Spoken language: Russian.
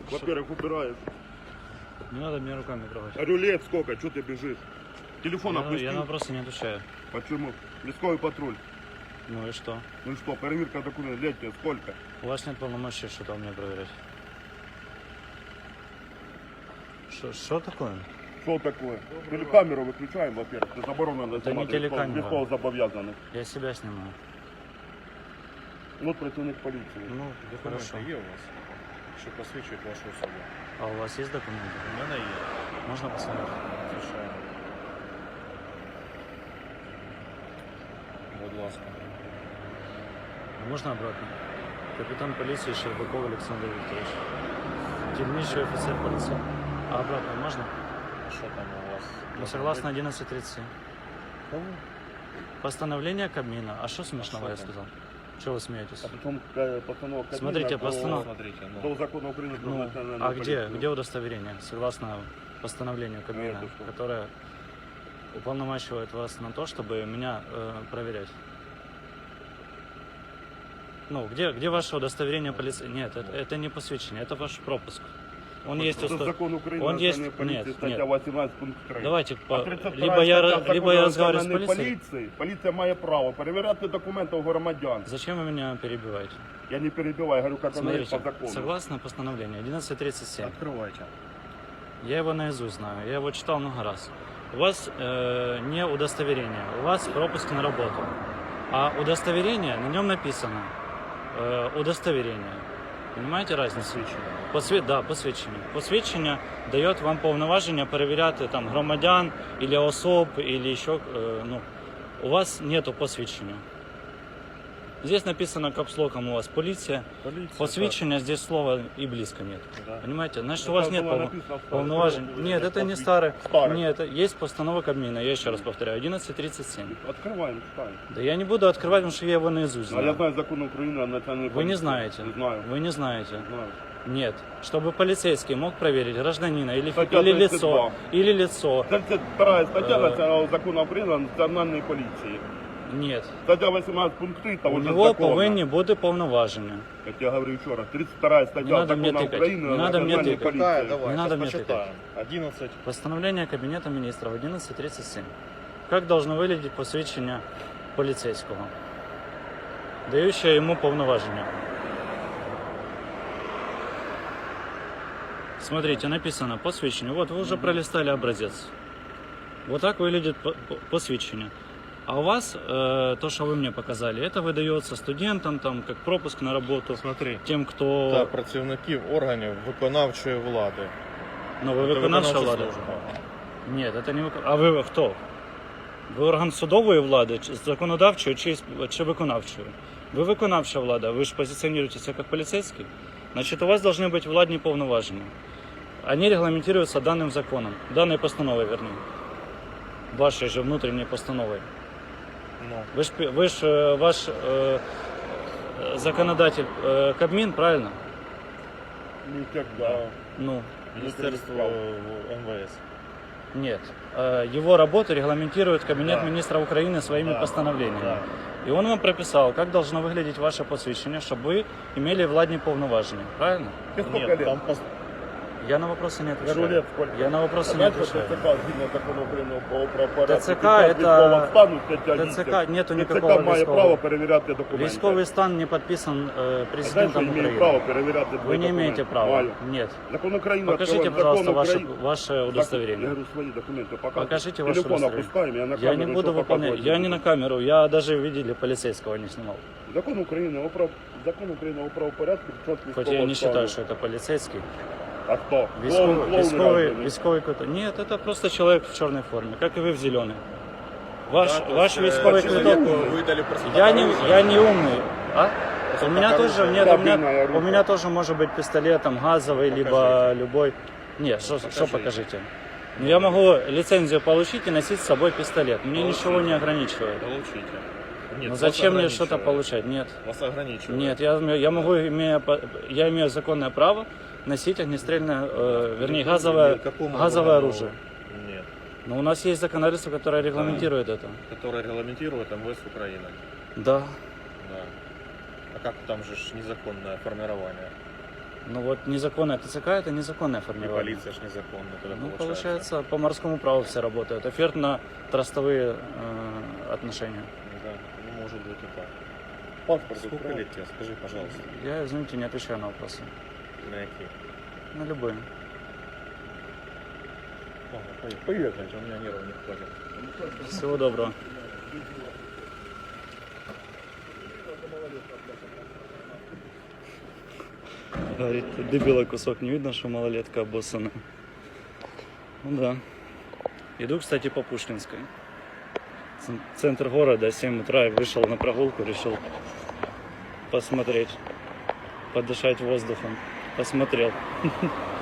Во-первых, убираешь. Не надо мне руками трогать. Рулет сколько? Что ты бежишь? Телефон Я опусти. на вопросы не отвечаю. Почему? Лесковый патруль. Ну и что? Ну что, проверка документов, летняя, сколько? У вас нет полномочий что-то у меня проверять. Что такое? Что такое? Телекамеру выключаем, во-первых. Это заборонено. Это не телекамера. Легко забовязаны. Я себя снимаю. Вот противник полиции. Ну, хорошо. Документи є у вас, що посвідчують вашу особу? А у вас есть документы? У мене є. Можно посмотреть? Звичайно. Будь ласка. Можно обратно? Капитан полиции Щербаков Александр Викторович. Дільничий офицер полиции. А обратно можно? Що там у вас? Ну, согласно 11.37. Постановление Кабмина. А что смешного А я что там? сказал? Чего вы смеетесь? А потом постанова Кабмина Смотрите, постанова. Смотрите, до ну. закона Украины про Ну, национальную а полицию. где удостоверение? Согласно постановлению Кабмина, это что? которое уполномачивает вас на то, чтобы меня проверять. Ну, где ваше удостоверение полиции? Нет, это не посвящение, это ваш пропуск. Он есть Это закон Украины Он о есть... национальной полиции, Нет, статья нет. 18 пункт 3. Давайте, А 32 либо я стаття разговариваю с національної полицией. поліції, поліція має право перевіряти документи у громадян. Зачем вы меня перебиваете? Я не перебиваю, говорю, как оно есть Смотрите, по закону. согласно постановлению 11.37, Открывайте. я его наизусть знаю, я его читал много раз. У вас не удостоверение, у вас пропуск на работу. А удостоверение, на нем написано удостоверение. Понимаете разницу? Да, посвідчення. Посвідчення дає вам повноваження перевіряти там громадян, или особ, или еще, ну, у вас нету посвідчення. Здесь написано капслоком у вас полиция. Посвідчення, здесь слова и близко нет. Да. Понимаете? Значит, у Это вас нет было написано в старой полноважень. школе, Нет, это не старый. старый. Нет, есть постанова Кабмина, я еще раз повторяю, 11.37. Открываем, читаем. Да я не буду открывать, потому что я его наизусть А я знаю. знаю закон Украины о национальной Вы полиции. не знаете. Не знаю. Вы не знаете. Знаю. Нет. Чтобы полицейский мог проверить гражданина или Статья лицо. 32. Или лицо. 32 статья национального закона Украины о национальной полиции. Нет. Статья 18 пункт 3 того У же него закона. повинні бути повноваження. Как я говорю еще раз, 32 Не статья надо мне закона тыкать. Украины Не о надо мне национальной тыкать. полиции. Давай, Не надо мне почитаем. 11. Постановление Кабинета министров 11.37. Как должно выглядеть посвідчення полицейского, дающее ему повноваження? Смотрите, написано посвідчення. Вот вы уже пролистали образец. Вот так выглядит посвідчення. А у вас то, что вы мне показали, это выдается студентам, там, как пропуск на работу, Смотри. тем, кто... Та працівників органів виконавчої влади. Ну, вы Це виконавча виконавча влада? служба. Нет, это не А вы кто? Ви орган судової влади, законодавчої чи виконавчої? Ви виконавча влада, ви ж позиціонуєтеся як поліцейський. Значить, у вас должны быть владні повноваження. Они регламентируются данным законом, данной постановой, вернее. Вашей же внутренней постановой. Ну. Вы ж ваш законодатель Кабмин, правильно? Ну, когда? Ну, Міністерство МВС. нет. Его работу регламентирует Кабинет Да. министров Украины своими Да. постановлениями. Да. И он вам прописал, как должно выглядеть ваше посвящение, чтобы вы имели владні повноваження. Правильно? Тебе сколько Нет, лет? там Я на вопросы не отвечаю. Говорю, лет сколько? Я на вопросы А не знаешь, отвечаю. ТЦК, згідно закону України про правопорядок, ТЦК під час это- військового стану, стаття ТЦК 8, нету ТЦК никакого має військового. право перевіряти документи. Військовый стан не подписан А знаєш, що президентом я маю Украины. право перевіряти Вы твої не имеете документи? права. Маю. Нет. Закон України Покажите, відкриваємо. пожалуйста, Закон ваше, України. ваше Я удостоверение. говорю, свої документи показуй. Покажите ваше Телефон удостоверение. опускаем, я на Я не камеру буду нічого выполнять. показувати Я не не на буду. камеру, я даже видели полицейского не снимал. Закон України закон України о правопорядку під час Хоть військового я не считаю, стану. что это полицейский. А хто? Військовый какой-то. Нет, это просто человек в черной форме, как и вы в зеленой. Ваш військовый квиток. Выдали Я не умный. А? У меня оружие. тоже нет, Кабельное у оружие. меня тоже может быть пистолет там газовый, либо Покажите. любой. Нет, что Покажите. покажите? Ну, я могу лицензию получить и носить с собой пистолет. Мне ничего не ограничивает. Получите. Нет, Ну вас зачем мне ограничивают. что-то получать? Нет. Вас ограничивают. Нет, я могу, я имею законное право носить огнестрельное, вернее, газовое оружие. Нет. Но у нас есть законодательство, которое регламентирует это. Которое регламентирует МВС Украины. Да. Да. А как там же ж незаконное формирование? Ну вот незаконная ТЦК это незаконное И формирование. полиция ж незаконно тогда Ну, получается. получается, по морскому праву все работают. Офертно-трастовые отношения. Да, ну может быть и так. Паспорт сколько Украл. лет тебе? Скажи, пожалуйста. Я, извините, не отвечаю на вопросы. На какие? На любые. Ладно, поехали, у меня нервов не хватит. Всего доброго. Говорит, дебила кусок, не видно, что малолетка обоссана. Ну да. Иду, кстати, по Пушкинской. Центр города, 7 утра, и вышел на прогулку, решил посмотреть, подышать воздухом. Посмотрел.